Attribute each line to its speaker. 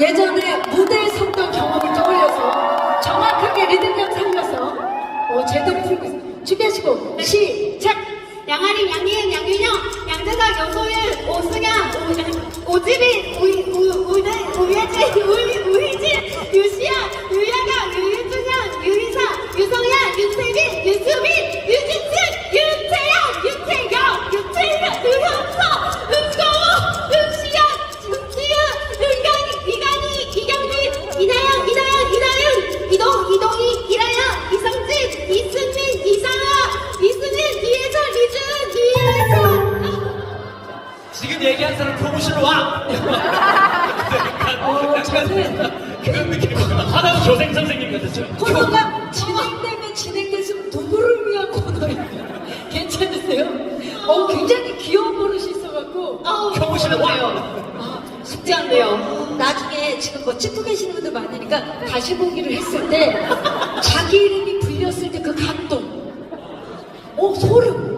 Speaker 1: 예전에 무대에 섰던 경험을 떠올려서 정확하게 리듬감 살려서 제대로 풀고 있어요. 준비하시고 시작!
Speaker 2: 양아리, 양희은, 양윤영, 양재석, 여소윤, 오승현, 오지빈, 우예진, 우희진, 유시연, 유야경, 유윤준영, 유희사, 유성현, 윤태빈, 유수빈, 유진승, 윤태영, 유채영, 유현서, 은거우, 은시연, 은지은, 은강이, 이강희, 이경민, 이나영, 이나윤, 이동희, 이라영, 이성진, 이승민, 이상아, 이승민, 이혜선, 이준, 이혜선.
Speaker 3: 지금 얘기한 사람 교무실로 와! 약간 그런 느낌이 하나는 교생 선생님 같았죠?
Speaker 1: 코너가 진행되면 진행될수록 누구를 위한 코너예요. 괜찮으세요? 굉장히 귀여운 버릇이 있어갖고
Speaker 3: 교무실로 와!
Speaker 1: 쉽지 않네요. 나중에 지금 찍고 계시는 분들 많으니까 다시 보기를 했을 때 자기 이름이 불렸을 때 그 감동, 소름.